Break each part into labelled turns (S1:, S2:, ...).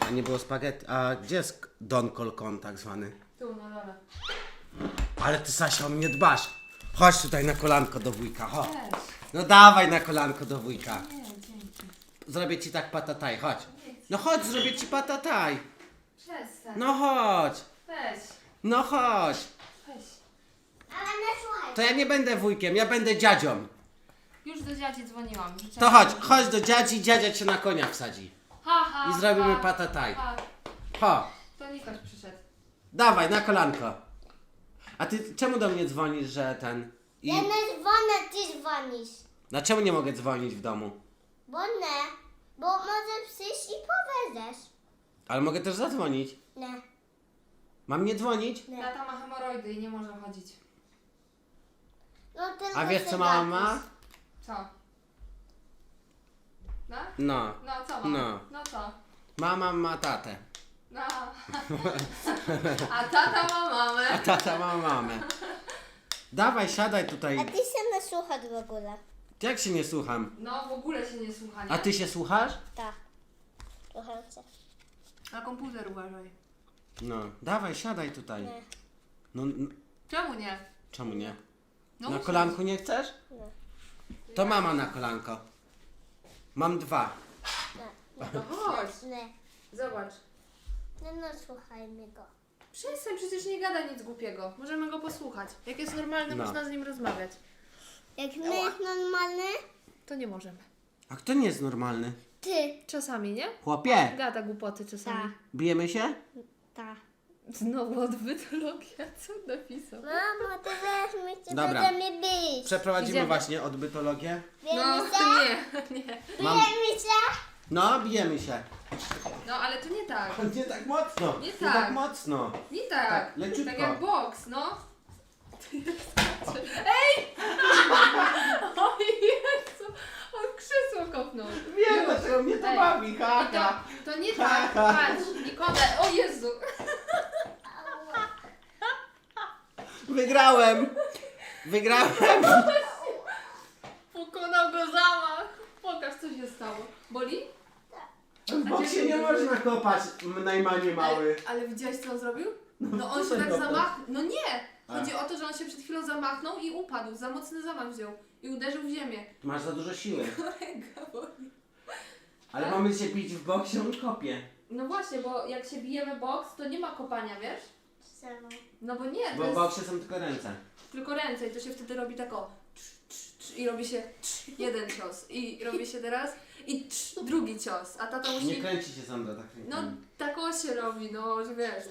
S1: A nie było spaghetti. A gdzie jest Don Colcon tak zwany?
S2: Tu, na dole.
S1: Ale ty, Sasia, o mnie dbasz. Chodź tutaj na kolanko do wujka, chodź.
S2: Weź.
S1: No dawaj na kolanko do wujka.
S2: Nie, dzięki.
S1: Zrobię ci tak patataj, chodź. No chodź, zrobię ci patataj.
S2: Przestań.
S1: No chodź.
S2: Weź.
S1: No chodź.
S2: Weź.
S3: Ale nie słuchaj.
S1: To ja nie będę wujkiem, ja będę dziadzią.
S2: Już do dziadzi dzwoniłam.
S1: To chodź do dziadzi, dziadzia cię na konia wsadzi.
S2: Ha, ha,
S1: I zrobimy
S2: ha,
S1: patataj.
S2: ha.
S1: Chodź,
S2: To Nikoś przyszedł.
S1: dawaj, na kolanko. A ty czemu do mnie dzwonisz, że ten...
S3: Ja nie dzwonię, ty dzwonisz.
S1: Dlaczego nie mogę dzwonić w domu?
S3: Bo nie. Bo może przyjść i powiedzesz.
S1: Ale mogę też zadzwonić.
S3: Nie.
S1: Mam nie dzwonić?
S3: Nie.
S2: Tata ma hemoroidy i nie może chodzić.
S3: No, tylko
S1: A wiesz
S3: się
S1: co mama
S3: gapisz.
S1: ma?
S2: Co? No?
S1: No.
S2: No co mam?
S1: No.
S2: No co?
S1: Mama ma tatę.
S2: No. A tata ma mamę.
S1: A tata ma mamę. Dawaj, siadaj tutaj.
S3: A ty się nie słuchasz w ogóle.
S1: Jak się nie słucham?
S2: No w ogóle się nie słucha, nie?
S1: A ty się słuchasz?
S3: Tak. Słucham cię.
S2: Na komputer uważaj.
S1: No. Dawaj, siadaj tutaj.
S3: Nie.
S1: No,
S2: Czemu nie?
S1: czemu nie?
S2: No
S1: Na
S2: usiądź.
S1: kolanku nie chcesz?
S3: Nie.
S1: To mama na kolanko. Mam dwa.
S3: Nie.
S2: No chodź.
S3: Nie.
S2: Zobacz.
S3: Nie, no słuchaj mi go.
S2: Przestań, przecież nie gada nic głupiego. Możemy go posłuchać. Jak jest normalny,
S1: No.
S2: można z nim rozmawiać.
S3: Jak my jest normalny,
S2: To nie możemy.
S1: A kto nie jest normalny?
S3: ty.
S2: Czasami, nie?
S1: Chłopie,
S2: Gada głupoty czasami.
S3: Tak.
S1: bijemy się?
S3: Tak.
S2: Znowu odbytologia, co napisał?
S3: Mamo, ty weź mi się
S1: Dobra.
S3: będę mi bić.
S1: Przeprowadzimy
S2: Idziemy.
S1: właśnie odbytologię.
S2: No,
S3: Bijemy się?
S2: nie, nie.
S1: Mam...
S3: Bijemy się?
S1: No, bijemy się.
S2: No, ale to nie tak.
S1: Nie tak mocno.
S2: Nie
S1: Nie
S2: tak.
S1: tak mocno.
S2: Nie tak.
S1: Tak, leciutko.
S2: Tak jak boks, no. Ej! O Jezu! On krzesło kopnął.
S1: Wiem,
S2: Już.
S1: dlaczego mnie to
S2: Ej.
S1: bawi,
S2: I
S1: haha.
S2: to nie tak. Patrz, Nikodem. O Jezu!
S1: Wygrałem. Wygrałem.
S2: Pokonał go zamach. Pokaż, co się stało. Boli?
S1: W boksie nie można kopać, najmanie mały.
S2: Ale widziałeś, co on zrobił? No on się
S1: co
S2: tak
S1: kopał?
S2: zamachnął. No nie!
S1: A.
S2: Chodzi o to, że on się przed chwilą zamachnął i upadł. Za mocny zamach wziął. I uderzył w ziemię.
S1: Masz za dużo siły.
S2: Ręka boli.
S1: Ale mamy się bić w boksie, on kopie.
S2: No właśnie, bo jak się bijemy boks, to nie ma kopania, wiesz?
S3: Czemu?
S2: No bo nie, to
S1: Bo w
S2: jest
S1: boksie są tylko ręce.
S2: tylko ręce i to się wtedy robi tak o i robi się jeden cios i robi się teraz i drugi cios, a tata
S1: Nie
S2: musi...
S1: kręci się Sandra tak
S2: No
S1: rękami.
S2: tak o się robi, no że wiesz.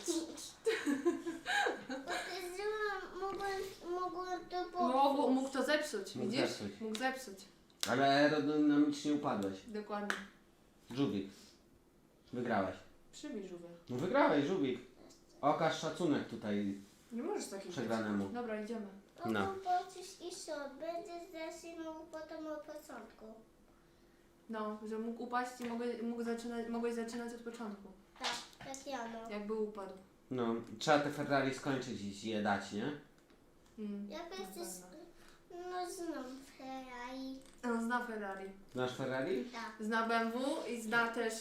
S3: Mogłem to
S2: Mógł to zepsuć,
S1: Mógł
S2: widzisz?
S1: zepsuć.
S2: Mógł zepsuć,
S1: Ale aerodynamicznie upadłeś.
S2: dokładnie.
S1: Żubik. Wygrałeś.
S2: Przybij żółwia.
S1: No wygrałeś, Żubik. Okaż szacunek tutaj.
S2: Nie możesz takiego
S1: Przegranemu.
S2: Dobra, idziemy.
S1: No.
S3: Mogłem poczuć i co? Będziesz zaczynał potem od początku.
S2: No, że mógł upaść i mogłeś zaczynać od początku,
S3: Tak, tak ja no.
S2: jakby upadł.
S1: No, trzeba te Ferrari skończyć i je dać, nie?
S3: Jak
S2: na
S3: jesteś...
S2: pewno.
S3: No znam Ferrari.
S2: On zna Ferrari,
S1: Znasz Ferrari?
S3: Tak.
S2: zna BMW i zna też...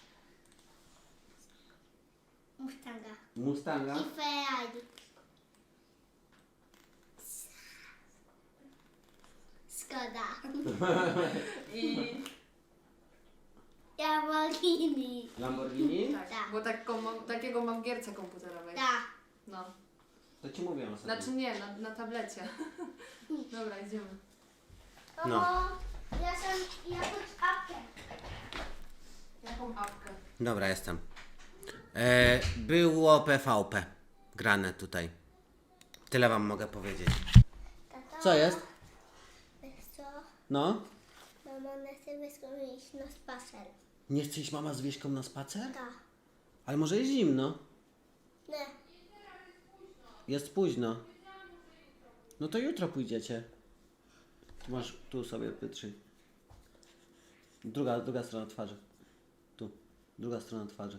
S3: Mustanga.
S1: Mustanga?
S3: I Ferrari. Skoda.
S2: I...
S3: Lamborghini.
S1: Lamborghini?
S2: Tak,
S3: Tak.
S2: bo takiego mam w gierce komputerowej.
S3: Tak.
S2: No.
S1: To ci mówię ostatnio.
S2: Znaczy nie, na tablecie. Dobra, idziemy.
S1: No.
S3: Mamo, ja sam jakąś apkę.
S2: Jaką apkę?
S1: Dobra, jestem. Było PvP grane tutaj. Tyle wam mogę powiedzieć.
S3: Tato,
S1: Co jest?
S3: Wiesz co?
S1: No?
S3: Mama nie chce iść na spacer.
S1: Nie chce iść mama z Wieśką na spacer?
S3: Tak.
S1: Ale może jest zimno.
S3: Nie.
S1: Jest późno. No to jutro pójdziecie. Tu masz, tu sobie wytrzyj. Druga strona twarzy. Tu. Druga strona twarzy.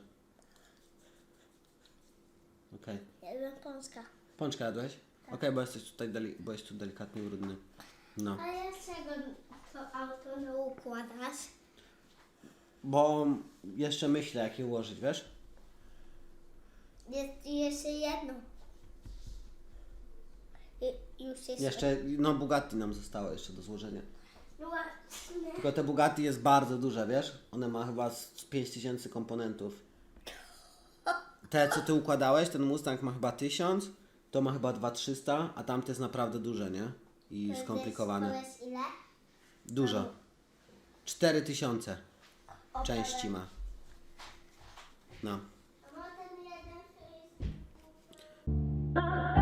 S1: Okej.
S3: Jeden Polska.
S1: Pączka jadłeś? Okej, bo jesteś tutaj byłeś tu delikatnie brudny. No.
S3: A dlaczego to auto nie układasz?
S1: Bo jeszcze myślę jak je ułożyć, wiesz?
S3: Jest jeszcze jedno. Już jest.
S1: Jeszcze, no Bugatti nam zostało jeszcze do złożenia.
S3: No właśnie.
S1: Tylko te Bugatti jest bardzo duże, wiesz? One ma chyba z 5000 komponentów. Te, co ty układałeś, ten Mustang ma chyba 1000, to ma chyba 2300, a tamte jest naprawdę duże, nie? I skomplikowane.
S3: To jest ile?
S1: Dużo. 4000 części ma. No.
S3: A ma ten jeden, to jest...